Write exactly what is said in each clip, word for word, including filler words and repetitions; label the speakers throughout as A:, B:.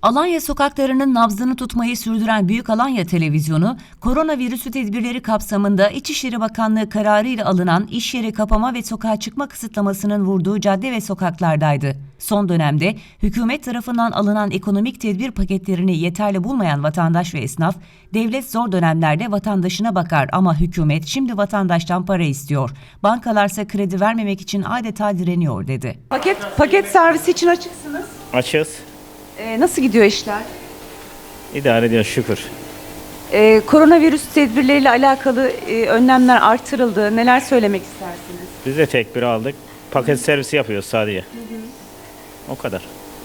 A: Alanya sokaklarının nabzını tutmayı sürdüren Büyük Alanya Televizyonu, koronavirüsü tedbirleri kapsamında İçişleri Bakanlığı kararıyla alınan iş yeri kapama ve sokağa çıkma kısıtlamasının vurduğu cadde ve sokaklardaydı. Son dönemde hükümet tarafından alınan ekonomik tedbir paketlerini yeterli bulmayan vatandaş ve esnaf, devlet zor dönemlerde vatandaşına bakar ama hükümet şimdi vatandaştan para istiyor. Bankalarsa kredi vermemek için adeta direniyor dedi.
B: Paket paket servisi için açıksınız.
C: Açız.
B: Ee, nasıl gidiyor işler?
C: İdare ediyor şükür.
B: Ee, koronavirüs tedbirleriyle alakalı e, önlemler artırıldı. Neler söylemek istersiniz?
C: Biz de tedbir aldık. Paket servisi yapıyoruz sadece. Hı hı. O kadar.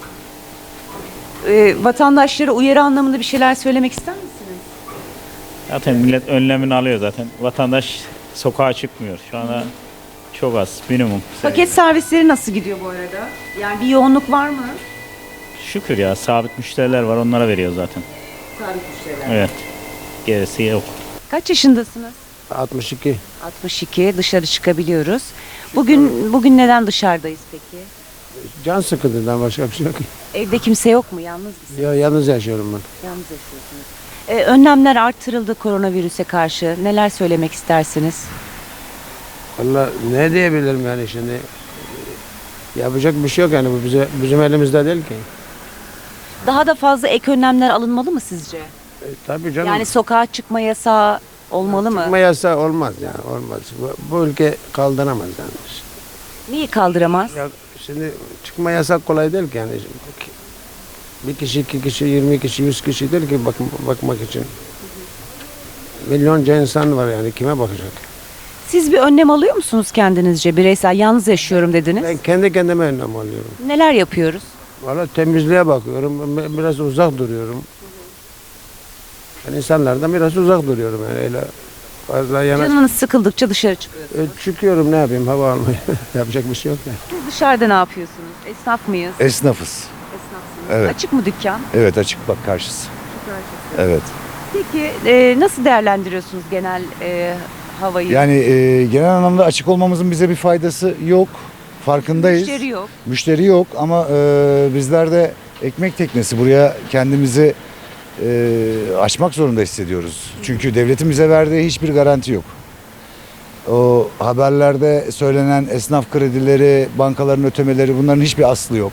B: Ee, vatandaşlara uyarı anlamında bir şeyler söylemek ister misiniz?
C: Zaten millet önlemini alıyor zaten. Vatandaş sokağa çıkmıyor. Şu anda çok az, minimum.
B: Paket servisleri nasıl gidiyor bu arada? Yani bir yoğunluk var mı?
C: Şükür ya, sabit müşteriler var, onlara veriyor zaten.
B: Sabit müşteriler.
C: Evet. Gerisi yok.
B: Kaç yaşındasınız?
D: altmış iki.
B: altmış iki. Dışarı çıkabiliyoruz. Bugün bugün neden dışarıdayız peki?
D: Can sıkıntından başka bir şey yok.
B: Evde kimse yok mu? Yalnız mısınız?
D: Ya yalnız yaşıyorum ben.
B: Yalnız yaşıyorsunuz. Ee, önlemler artırıldı koronavirüse karşı. Neler söylemek istersiniz?
D: Valla ne diyebilirim yani şimdi. Yapacak bir şey yok yani bu bize, bizim elimizde değil ki.
B: Daha da fazla ek önlemler alınmalı mı sizce?
D: E, tabii canım.
B: Yani sokağa çıkma yasağı olmalı mı?
D: Çıkma yasağı olmaz yani olmaz. Bu, bu ülke kaldıramaz yani.
B: Neyi kaldıramaz?
D: Ya şimdi çıkma yasak kolay değil ki yani. Bir kişi, iki kişi, yirmi kişi, yüz kişi değil ki bak, bakmak için. Milyonca insan var yani kime bakacak?
B: Siz bir önlem alıyor musunuz kendinizce? Bireysel yalnız yaşıyorum dediniz.
D: Ben kendi kendime önlem alıyorum.
B: Neler yapıyoruz?
D: Valla temizliğe bakıyorum, biraz uzak duruyorum. Yani insanlardan biraz uzak duruyorum yani öyle fazla yana.
B: Canınız sıkıldıkça dışarı çıkıyorsunuz.
D: E, çıkıyorum ne yapayım hava almaya. Yapacak bir şey yok ya.
B: Siz dışarıda ne yapıyorsunuz? Esnaf mıyız?
E: Esnafız.
B: Esnafsınız.
E: Evet.
B: Açık mı dükkan?
E: Evet, açık bak karşısı. Evet.
B: Peki e, nasıl değerlendiriyorsunuz genel e, havayı?
E: Yani e, genel anlamda açık olmamızın bize bir faydası yok. Farkındayız.
B: Müşteri yok.
E: Müşteri yok ama e, bizler de ekmek teknesi buraya kendimizi e, açmak zorunda hissediyoruz. Çünkü devletin bize verdiği hiçbir garanti yok. O haberlerde söylenen esnaf kredileri, bankaların ötemeleri bunların hiçbir aslı yok.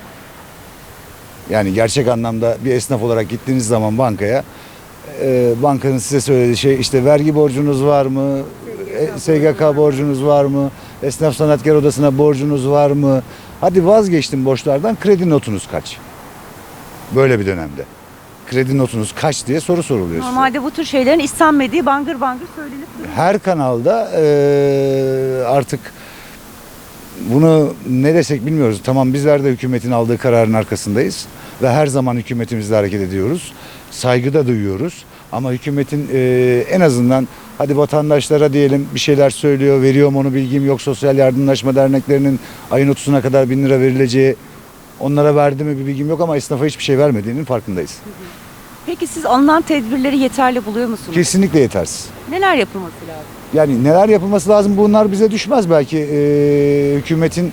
E: Yani gerçek anlamda bir esnaf olarak gittiğiniz zaman bankaya e, bankanın size söylediği şey işte vergi borcunuz var mı? E, S G K borcunuz var mı? Esnaf Sanatkar Odası'na borcunuz var mı? Hadi vazgeçtim borçlardan, kredi notunuz kaç? Böyle bir dönemde. Kredi notunuz kaç diye soru soruluyor size.
B: Normalde bu tür şeylerin istenmediği bangır bangır söylenip duruyor.
E: Her kanalda e, artık bunu ne desek bilmiyoruz. Tamam, bizler de hükümetin aldığı kararın arkasındayız ve her zaman hükümetimizle hareket ediyoruz. Saygı da duyuyoruz. Ama hükümetin e, en azından hadi vatandaşlara diyelim bir şeyler söylüyor, veriyor mu onu bilgim yok. Sosyal yardımlaşma derneklerinin ayın otuzuna kadar bin lira verileceği, onlara verdi mi bir bilgim yok ama esnafa hiçbir şey vermediğinin farkındayız.
B: Peki siz alınan tedbirleri yeterli buluyor musunuz?
E: Kesinlikle yetersiz.
B: Neler yapılması lazım?
E: Yani neler yapılması lazım, bunlar bize düşmez belki e, hükümetin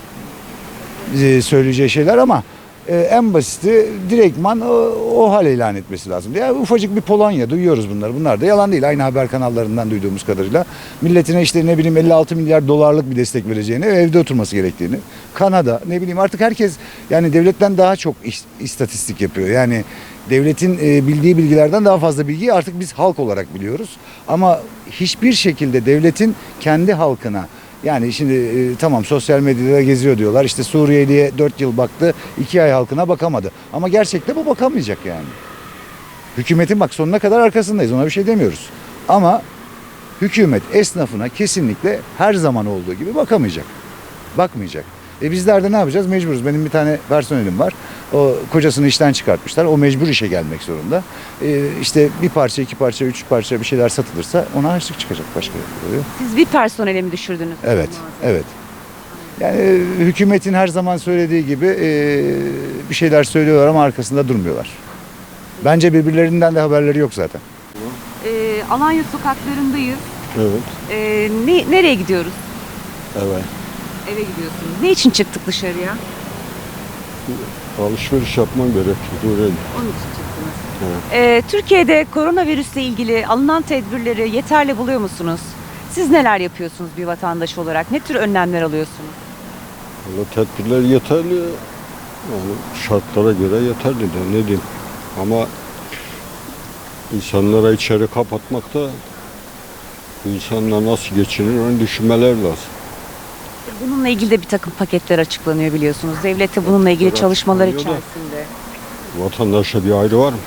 E: e, söyleyeceği şeyler ama e, en basiti direktman o, o hal ilan etmesi lazım. Ya ufacık bir Polonya, duyuyoruz bunları. Bunlar da yalan değil. Aynı haber kanallarından duyduğumuz kadarıyla milletine işte ne bileyim elli altı milyar dolarlık bir destek vereceğini, evde oturması gerektiğini. Kanada, ne bileyim artık herkes yani devletten daha çok iş, istatistik yapıyor. Yani devletin e, bildiği bilgilerden daha fazla bilgiyi artık biz halk olarak biliyoruz. Ama hiçbir şekilde devletin kendi halkına, yani şimdi e, tamam sosyal medyada geziyor diyorlar. İşte Suriyeli'ye dört yıl baktı, iki ay halkına bakamadı. Ama gerçekte bu bakamayacak yani. Hükümetin bak sonuna kadar arkasındayız, ona bir şey demiyoruz. Ama hükümet esnafına kesinlikle her zaman olduğu gibi bakamayacak. Bakmayacak. E bizler de ne yapacağız? Mecburuz. Benim bir tane personelim var. O kocasını işten çıkartmışlar. O mecbur işe gelmek zorunda. E işte bir parça, iki parça, üç parça bir şeyler satılırsa ona harçlık çıkacak, başka oluyor.
B: Siz bir personele mi düşürdünüz?
E: Evet, evet. Yani e, hükümetin her zaman söylediği gibi e, bir şeyler söylüyorlar ama arkasında durmuyorlar. Bence birbirlerinden de haberleri yok zaten.
B: Ee, Alanya sokaklarındayız.
D: Evet.
B: Ee, ne, nereye gidiyoruz?
D: Evet.
B: Eve gidiyorsunuz. Ne için çıktık dışarıya?
F: alışveriş yapmam gerekiyor. Öyle.
B: Onun için çıktınız. Ee, Türkiye'de koronavirüsle ilgili alınan tedbirleri yeterli buluyor musunuz? Siz neler yapıyorsunuz bir vatandaş olarak? Ne tür önlemler alıyorsunuz?
F: Valla tedbirler yeterli. Yani şartlara göre yeterli de ne diyeyim. Ama insanlara içeri kapatmak da bu insanlar nasıl geçinir onu düşünmeler lazım.
B: Bununla ilgili de bir takım paketler açıklanıyor biliyorsunuz. Devlet de bununla ilgili
F: Paketler
B: çalışmalar
F: açıklanıyor da.
B: içerisinde.
F: Vatandaşa bir ayrı var mı?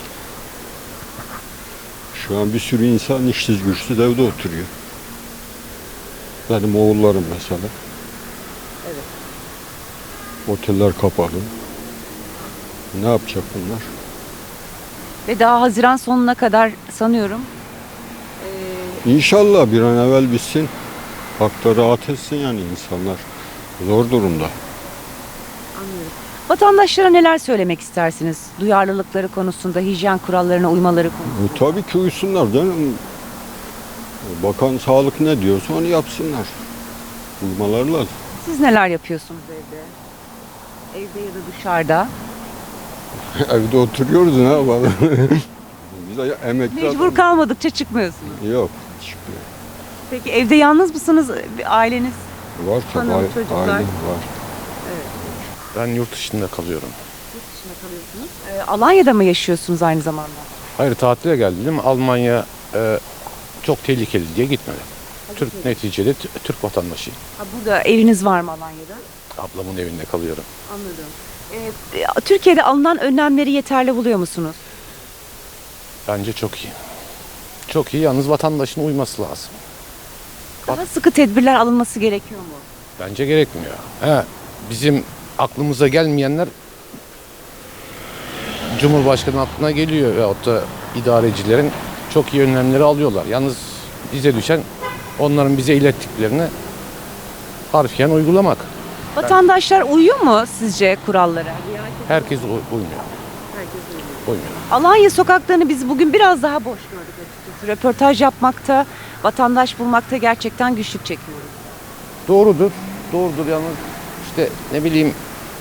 F: Şu an bir sürü insan işsiz güçsüz evde oturuyor. Benim oğullarım mesela.
B: Evet.
F: Oteller kapalı. Ne yapacak bunlar?
B: Ve daha Haziran sonuna kadar sanıyorum ee,
F: İnşallah bir an evvel bitsin. Hakları rahat etsin yani insanlar. Zor durumda.
B: vatandaşlara neler söylemek istersiniz? Duyarlılıkları konusunda, hijyen kurallarına uymaları konusunda.
F: E, tabii ki uysunlar canım. Bakan sağlık ne diyorsa onu yapsınlar. Uymaları lazım.
B: Siz neler yapıyorsunuz evde? Evde ya da dışarıda.
F: Evde oturuyoruz ne yapalım? Biz de emekli
B: Mecbur
F: adam-
B: kalmadıkça çıkmıyorsunuz.
F: Yok. Çıkmıyor.
B: Peki evde yalnız mısınız? Bir aileniz?
F: Var tabii.
B: Hanım,
F: aile-
B: çocuklar.
F: aile var.
G: Ben yurt dışında kalıyorum.
B: Yurt dışında kalıyorsunuz. Ee, Alanya'da mı yaşıyorsunuz aynı zamanda?
G: Hayır tatile geldim. Almanya e, çok tehlikeli diye gitmedim. Türk neticede t- Türk vatandaşıyım.
B: Ha, burada eviniz var mı Alanya'da?
G: Ablamın evinde kalıyorum.
B: Anladım. Ee, Türkiye'de alınan önlemleri yeterli buluyor musunuz?
G: Bence çok iyi. Çok iyi yalnız vatandaşın uyması lazım.
B: Daha sıkı tedbirler alınması gerekiyor mu?
G: Bence gerekmiyor. He, bizim aklımıza gelmeyenler Cumhurbaşkanı aklına geliyor veyahut da idarecilerin çok iyi önlemleri alıyorlar. Yalnız bize düşen onların bize ilettiklerini harfiyen uygulamak.
B: Vatandaşlar uyuyor mu sizce kurallara?
G: Herkes uy- uymuyor. Uymuyor.
B: Alanya sokaklarını biz bugün biraz daha boş gördük açıkçası. Röportaj yapmakta, vatandaş bulmakta gerçekten güçlük çekiyoruz.
G: Doğrudur. Doğrudur yalnız işte ne bileyim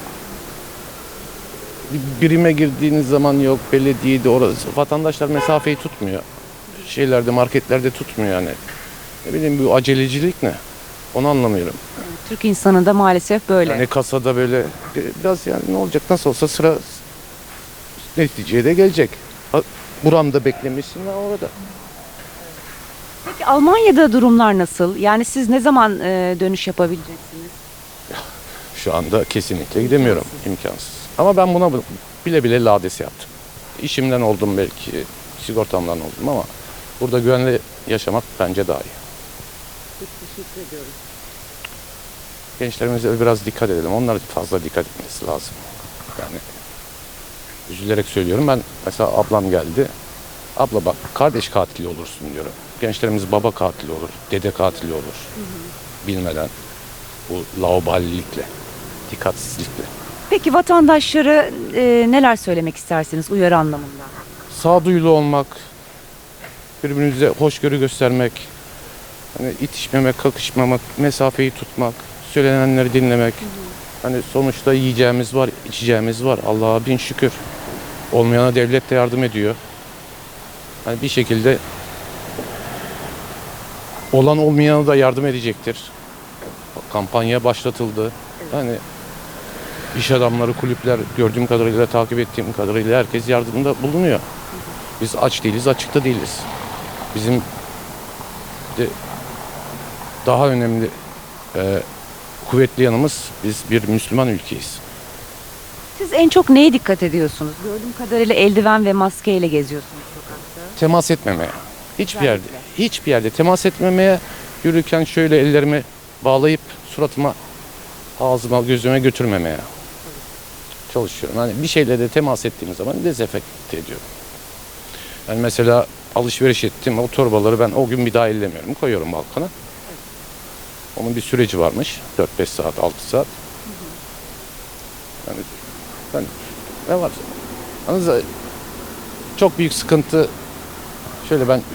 G: bir birime girdiğiniz zaman yok belediyede orası vatandaşlar mesafeyi tutmuyor. Şeylerde marketlerde tutmuyor yani. Ne bileyim bu acelecilik ne? Onu anlamıyorum.
B: Türk insanı da maalesef böyle.
G: Yani kasada böyle biraz yani ne olacak nasıl olsa sıra neticeye de gelecek. Ha, buramda beklemişsin ve orada.
B: Peki Almanya'da durumlar nasıl? Yani siz ne zaman e, dönüş yapabileceksiniz?
G: Şu anda kesinlikle gidemiyorum. İmkansız. Ama ben buna bile bile lades yaptım. İşimden oldum belki, sigortamdan oldum ama burada güvenli yaşamak bence daha iyi.
B: Teşekkür ediyorum.
G: Gençlerimize biraz dikkat edelim. Onlar fazla dikkat etmesi lazım. Yani üzülerek söylüyorum. Ben mesela ablam geldi. Abla bak kardeş katili olursun diyorum. Gençlerimiz baba katili olur, dede katili olur. Hı hı. Bilmeden bu laubalilikle, dikkatsizlikle.
B: Peki vatandaşlara e, neler söylemek istersiniz uyarı anlamında?
G: Sağduyulu olmak, birbirimize hoşgörü göstermek, hani itişmemek, kakışmamak, mesafeyi tutmak, söylenenleri dinlemek. Hı hı. Hani sonuçta yiyeceğimiz var, içeceğimiz var. Allah'a bin şükür. Olmayana devlet de yardım ediyor. Hani bir şekilde olan olmayana da yardım edecektir. Kampanya başlatıldı. Yani iş adamları, kulüpler gördüğüm kadarıyla, takip ettiğim kadarıyla herkes yardımda bulunuyor. Biz aç değiliz, açıkta değiliz. Bizim de daha önemli e, kuvvetli yanımız biz bir Müslüman ülkeyiz.
B: Siz en çok neye dikkat ediyorsunuz? Gördüğüm kadarıyla eldiven ve maskeyle geziyorsunuz sokakta.
G: Temas etmemeye. Hiçbir yerde,
B: Özellikle.
G: hiçbir yerde temas etmemeye, yürürken şöyle ellerimi bağlayıp suratıma, ağzıma, gözüme götürmemeye çalışıyorum. Hani bir şeyle de temas ettiğim zaman dezenfekte ediyorum. Yani mesela alışveriş ettim, o torbaları ben o gün bir daha ellemiyorum, koyuyorum balkona. Onun bir süreci varmış, dört beş saat, altı saat. Yani ben ne var? Yalnız çok büyük sıkıntı şöyle ben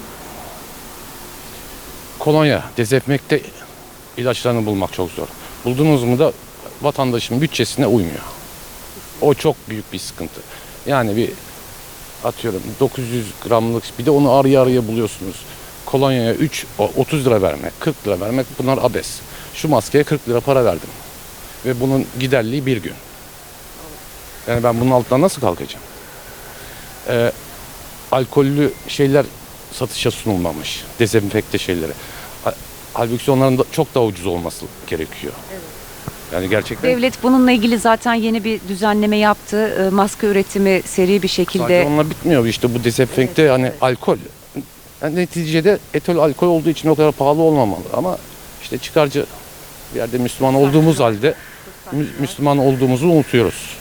G: kolonya, dezenfekte ilaçlarını bulmak çok zor. Buldunuz mu da vatandaşın bütçesine uymuyor. O çok büyük bir sıkıntı. Yani bir atıyorum dokuz yüz gramlık, bir de onu araya araya buluyorsunuz. Kolonyaya üç, otuz lira vermek, kırk lira vermek, bunlar abes. Şu maskeye kırk lira para verdim. Ve bunun giderliği bir gün. Yani ben bunun altından nasıl kalkacağım? Ee, alkollü şeyler satışa sunulmamış. Dezenfekte şeyleri. Ha- Halbuki onların da çok daha ucuz olması gerekiyor. Yani gerçekten
B: Devlet bununla ilgili zaten yeni bir düzenleme yaptı. E, Maske üretimi seri bir şekilde.
G: sadece onunla bitmiyor. İşte bu dezenfekte hani alkol. Yani neticede etol alkol olduğu için o kadar pahalı olmamalı. Ama işte çıkarcı bir yerde Müslüman olduğumuz halde Mü- Müslüman olduğumuzu unutuyoruz.